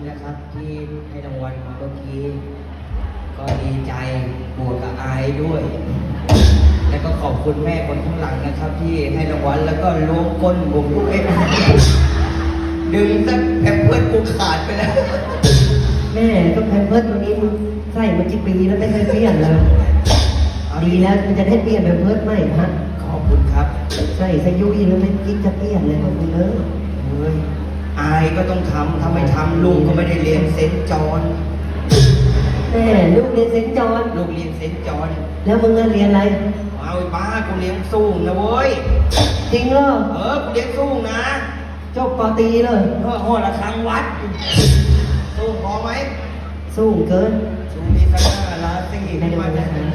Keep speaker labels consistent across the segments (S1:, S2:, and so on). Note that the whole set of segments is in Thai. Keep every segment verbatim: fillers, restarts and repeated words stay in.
S1: นะครับที่ให้รางวัลมาเมื่อกี้ก็ดีใจบวกกับอายด้วย แล้วก็ขอบคุณแม่คนข้างหลังนะครับที่ให้รางวัลแล้วก็ล้วงก้นผมด้วยดึงสักแผ่นเพื่อนกูขาดไปแล้ว
S2: แม่ก็แพมเพิร์สตัวนี้มึงใส่มากี่ปีแล้วไม่เคยเปลี่ยนเลยดีแล้วมันจะได้เปลี่ยนแพมเพิร์สใหม่ฮะ
S1: ขอบคุณครับ
S2: ใส่สยุยแล้วไม่คิดจะเปลี่ยนเลยพวกมึงเออ
S1: เฮ้ยอายก็ต้องทำถ้าไม่ทำลุงก็ไม่ได้เรียนเซนต์จอห์น
S2: แม่ลูกเรียนเซนต์จอห์น
S1: ลูกเรียนเซนต์จอห์น
S2: แล้วมึงเรียนอะไร
S1: เอาไอ้บ้ากูเรียนสูงนะเว้ย
S2: จริงเหรอ
S1: เออกูเรียนสูงนะ
S2: จบปอตรีเลย
S1: เออหอระฆังวัดสูงพอไหม
S2: สูงเกิน
S1: สูงมีสักห้าล้านสี่ไม่มาจากไหน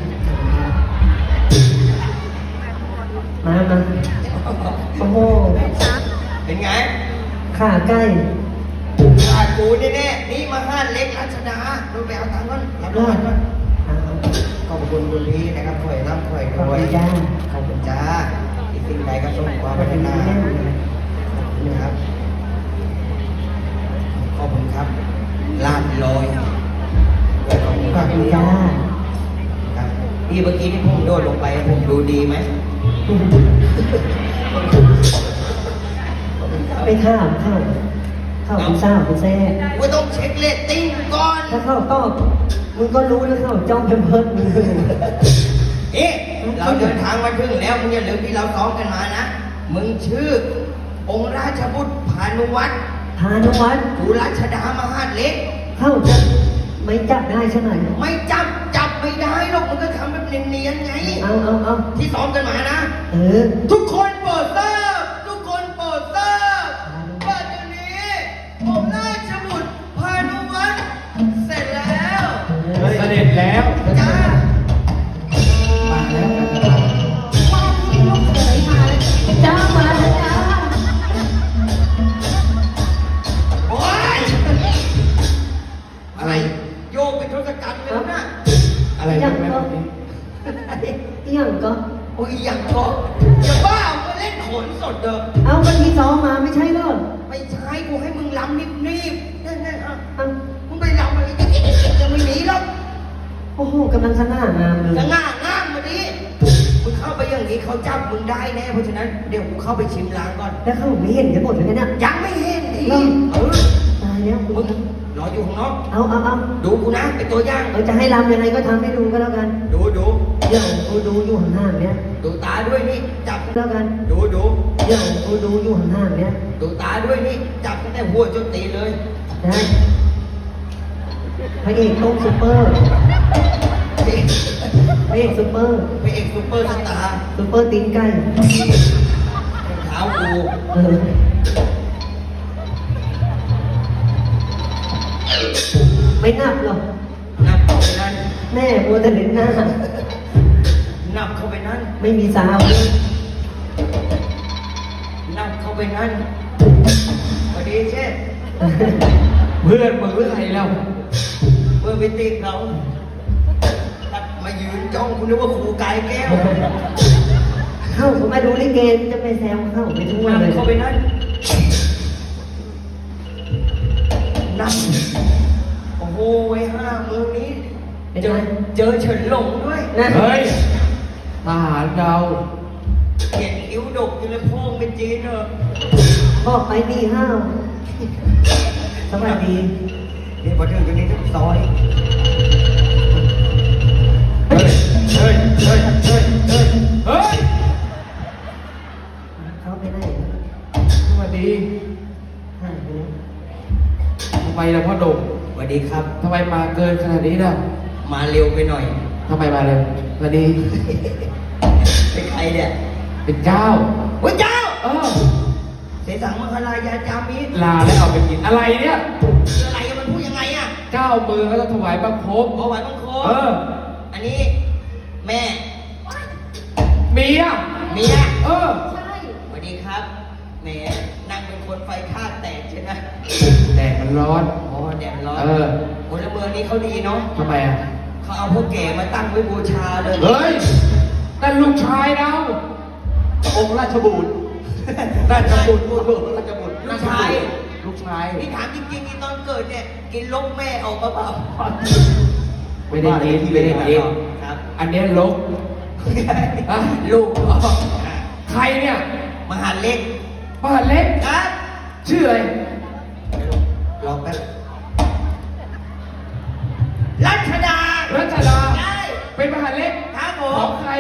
S2: มามาโอ้โห
S1: เป็นไง
S2: ขาใกล้
S1: ขากูแน่ๆนี่มาห้านเล็กรัชดาดูไปเอาตังค์ก่อนรับรางวัลก่อนขอบคุณคุณพี่นะครับถอยรับถอยถอย
S2: จ้า
S1: ขอบคุณจ้าอีกสิ่งใดก็ส่งความพัฒนานะครับขอบคุณครับลาดลอยขอบคุณครับพี่จ้าครับพี่เมื่อกี้ที่ผมโดดลงไปผมดูดีไหม
S2: ไปข้าวข้าวข้าวคุณทราบคุณแซ่
S1: ว่าต้องเช็คเรตติ้งก่อน
S2: ถ้าเข้าตอบมึงก็รู้แล้วเข้าจ้องเพิ่มมึง
S1: เอ๊ะเราเดินทางมาถึงแล้วมึงอย่าลืมที่เราซ้อมกันมานะมึงชื่อองค์ราชบุตรพานุวัฒน์
S2: พานุวัฒน์
S1: กุรัชดามหาดเล็ก
S2: เข้าจะไม่จับได้ใช่ไหม
S1: ไม่จับจับไม่ได้หรอกมันก็ทำแบบเนียนๆไง
S2: เอาเอาเอา
S1: ที่ซ้อมกันมานะ
S2: เออ
S1: ทุกคนโปรดทราบทุกคนโปรดทราบว่าเดี๋ยวนี้องค์ราชบุตรพานุวัฒน์เสร็จแล้ว
S3: เสด็จแล้ว
S1: จ้า
S3: มาแล้ว
S4: ว่าที่ลูกเขยมาแล้วจ้ามาแล้วจ้า
S1: โอ๊ยอะไรโยกเป็นทศกัณฐ์เลยนะ
S3: อะไรนะแม่
S2: ก็ยังก็
S1: โอ้ยยังก็อย่าบ้ามาเล่นโขนสดเด้อ
S2: เอาวันที่ซ้อมมาไม่ใช่เหรอ
S1: ไม่ใช่กูให้มึงลำนิบๆนั่นๆอ่ะ
S2: เอา
S1: มึงไปลำอะไรจะไม่หนีหรอก
S2: โอ้โหกำลังสง่างามเลย
S1: สง่างามมาดิมึงเข้าไปอย่างนี้เขาจับมึงได้แน่เพราะฉะนั้นเดี๋ยวกูเข้าไปชิมล้างก่อน
S2: แล้วเขาไม่เห็นกันหมดเลยเนี่ย
S1: ยังไม่เห็นดิเออ
S2: ตายแล้ว
S1: มึงรออยู่ข้างนอก
S2: เอาเอาเอา
S1: ดูกูนะเป็นตัวอย่าง
S2: เออจะให้รำยังไงก็ทำให้ดูก็แล้วกัน
S1: ดูดู
S2: เดี๋ยวกูดูอยู่ห่างๆเนี้ย
S1: ดูตาด้วยนี่จับ
S2: แล้วกัน
S1: ดูดู
S2: เดี๋ยวกูดูอยู่ห่างๆเนี้ย
S1: ดูตาด้วยนี่จับตั้งแต่หัวจนตีเลย
S2: ได้พระเอกต้องซุปเปอร์พระเอกซุปเปอร์
S1: พระเอกซุปเปอร์สตาร์
S2: ซุปเปอร์ตีนไก่
S1: เท้ากู
S2: เออไม่นับหรอก
S1: นับเข้าไปนั่น
S2: แม่มัวแต่เล่นหน้า
S1: นับเข้าไปนั่น
S2: ไม่มีสาว
S1: นับเข้าไปนั่นพอดีเช่
S3: เพื่อนมึงหรือใครแล้ว
S1: เพื่อนไปตีเขาตัดมายืนจ้องคุณนึกว่าครูกายแก้ว
S2: เข้าผมมาดูลิเกจะไปแซวเข้าไปทั่วเลย
S1: เข้าไปนั่นนับโอ้โหไว้ห้ามือนี้เจอเจอเฉินหลงด้วย
S3: เฮ้ยทหารเรา
S1: เห็นคิ้วดกอยู่เลยพ่อเป็นจีนเหรอ
S2: บอกไปมีห้าวสวัสดี
S1: นี่พอถึงตรงนี้ทุกซอย
S3: เฮ้ยเฮ้ยเฮ้ยเฮ้ยเฮ้ยเฮ้ย
S2: เขาไปไหน
S3: สวัสดี
S2: หายไปแล้ว
S3: ทำไมล่ะพ่อดง
S1: สวัสดีครับ
S3: ทำไมมาเกินขนาดนี้ล่ะ
S1: มาเร็วไปหน่อย
S3: ทำไมมาเร็วสวัสดี
S1: เป็นใครเนี่ย
S3: เป็นเจ้า
S1: โอ้ยเจ้า
S3: เออ
S1: เสสังมังคลายาจามิ
S3: ลาแล้วเอาไปกินอะไรเนี่ย
S1: อะไรมันพูดยังไงอ่ะ
S3: เจ้ามือเขาจะถวายบังคม
S1: ถวายบังคม
S3: เออ
S1: อันนี้แม่
S3: เมีย
S1: เมีย
S3: เออ
S4: ใช่
S1: สวัสดีครับแหมนั่งเป็นคนไฟคาดแตกใช่ไหม
S3: แดดมันร้อน
S1: อ๋อแดดร้อน
S3: เออ
S1: คนละเมืองนี้เขาดีเนาะ
S3: ทำไมอ่ะ
S1: เขาเอาพวกแก่มาตั้งไว้บูชาเลย
S3: เฮ้ยนั่นลูกชายเราองค์ราชบุตรราชบุตรราชบุตร
S1: ลูกชาย
S3: ลูกชาย
S1: นี่ถามจริงๆนี่ตอนเกิดเนี่ยกินลกแม่ออกมาเปล่า
S3: ไม่ได้กินไม่ได้กิน
S1: ครับ
S3: อันเนี้ยลกอ่ะลูกอ๋อใครเนี่ย
S1: มหาเล็ก
S3: บ้านเล็ก
S1: ครับ
S3: ชื่ออะไร
S1: ลองแป๊บรัชดา
S3: รัชดา
S1: ได้
S3: เป็นมหาเล็ก
S1: ครับผ
S3: ขอ
S1: ม
S3: งใคร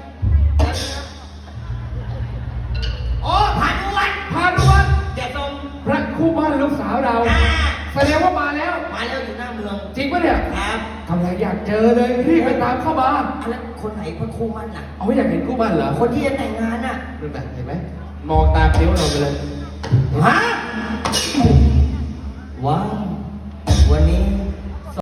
S1: โอ้ผ่านวัน
S3: พานุวัฒน์
S1: เดี๋ยวตรง
S3: พระคู่บ้านลูกสาวเรา
S1: อ่า
S3: แสดงว่ามาแล้ว
S1: มาแล้วอยู่หน้าเมือง
S3: จริงปะเนี่ย
S1: ครับ
S3: กำลังอยากเจอเลยรีบไปตามเข้ามา
S1: อันนั้นคนไหนพระครูมั่นน่ะ
S3: เอาอยากเห็นคู่บ้านเหรอ
S1: คนที่จะแต่งงานน่ะ
S3: ดูแบบเห็นไหมมองตามนิ้วเราไปเลย
S1: ฮะว้าววันนี้